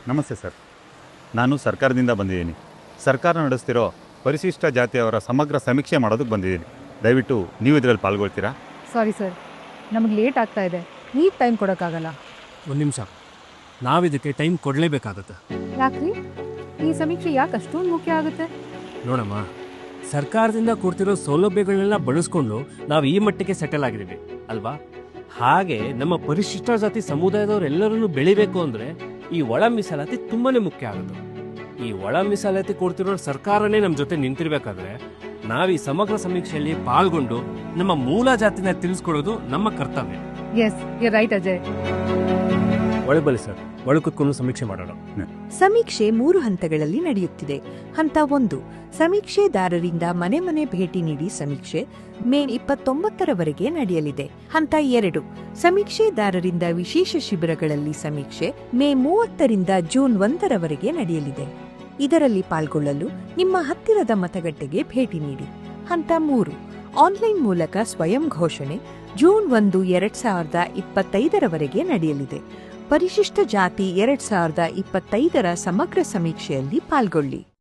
ನಮಸ್ತೆ ಸರ್. ನಾನು ಸರ್ಕಾರದಿಂದ ಬಂದಿದ್ದೀನಿ. ಸರ್ಕಾರ ನಡೆಸ್ತಿರೋ ಪರಿಶಿಷ್ಟ ಜಾತಿಯವರ ಸಮಗ್ರ ಸಮೀಕ್ಷೆ ಮಾಡೋದಕ್ಕೆ ಬಂದಿದ್ದೀನಿ. ದಯವಿಟ್ಟು ನೀವು ಇದರಲ್ಲಿ ಪಾಲ್ಗೊಳ್ತೀರಾ? ಸಾರಿ ಸರ್, ನಮಗೆ ಲೇಟ್ ಆಗ್ತಾ ಇದೆ. ನೀವು ಟೈಮ್ ಕೊಡೋಕ್ಕಾಗಲ್ಲ. ಒಂದು ನಿಮಿಷ, ನಾವಿದಕ್ಕೆ ಟೈಮ್ ಕೊಡಲೇಬೇಕಾಗತ್ತೆ. ಯಾಕ್ರಿ? ಈ ಸಮೀಕ್ಷೆ ಯಾಕೆ ಅಷ್ಟೊಂದು ಮುಖ್ಯ ಆಗುತ್ತೆ? ನೋಡಮ್ಮ, ಸರ್ಕಾರದಿಂದ ಕೊಡ್ತಿರೋ ಸೌಲಭ್ಯಗಳನ್ನೆಲ್ಲ ಬಳಸ್ಕೊಂಡು ನಾವು ಈ ಮಟ್ಟಿಗೆ ಸೆಟಲ್ ಆಗಿದ್ದೀವಿ ಅಲ್ವಾ? ಹಾಗೆ ನಮ್ಮ ಪರಿಶಿಷ್ಟ ಜಾತಿ ಸಮುದಾಯದವರೆಲ್ಲರನ್ನು ಬೆಳಿಬೇಕು ಅಂದರೆ ಈ ಒಳ ಮೀಸಲಾತಿ ತುಂಬಾನೇ ಮುಖ್ಯ ಆಗುತ್ತೆ. ಈ ಒಳ ಮೀಸಲಾತಿ ಕೊಡ್ತಿರೋ ಸರ್ಕಾರನೇ ನಮ್ಮ ಜೊತೆ ನಿಂತಿರ್ಬೇಕಾದ್ರೆ ನಾವು ಈ ಸಮಗ್ರ ಸಮೀಕ್ಷೆಯಲ್ಲಿ ಪಾಲ್ಗೊಂಡು ನಮ್ಮ ಮೂಲ ಜಾತಿನ ತಿಳಿಸ್ಕೊಡೋದು ನಮ್ಮ ಕರ್ತವ್ಯ. Yes, you right Ajay. ಒಳಗೆ ಬನ್ನಿ ಸರ್, ಒಳಗೆ ಕೂತ್ಕೊಂಡು ಸಮೀಕ್ಷೆ ಮಾಡೋಣ. ಸಮೀಕ್ಷೆ 3 ಹಂತಗಳಲ್ಲಿ ನಡೆಯುತ್ತಿದೆ. ಹಂತ 1, ಸಮೀಕ್ಷೆದಾರರಿಂದ ಮನೆ ಮನೆ ಭೇಟಿ ನೀಡಿ ಸಮೀಕ್ಷೆ ಮೇ 29ರವರೆಗೆ ನಡೆಯಲಿದೆ. ಹಂತ 2, ಸಮೀಕ್ಷೆದಾರರಿಂದ ವಿಶೇಷ ಶಿಬಿರಗಳಲ್ಲಿ ಸಮೀಕ್ಷೆ ಮೇ 30ರಿಂದ ಜೂನ್ 1ರವರೆಗೆ ನಡೆಯಲಿದೆ. ಇದರಲ್ಲಿ ಪಾಲ್ಗೊಳ್ಳಲು ನಿಮ್ಮ ಹತ್ತಿರದ ಮತಗಟ್ಟೆಗೆ ಭೇಟಿ ನೀಡಿ. ಹಂತ 3, ಆನ್ಲೈನ್ ಮೂಲಕ ಸ್ವಯಂ ಘೋಷಣೆ ಜೂನ್ 1, 2025ರವರೆಗೆ ನಡೆಯಲಿದೆ. ಪರಿಶಿಷ್ಟ ಜಾತಿ 2025ರ ಸಮಗ್ರ ಸಮೀಕ್ಷೆಯಲ್ಲಿ ಪಾಲ್ಗೊಳ್ಳಿ.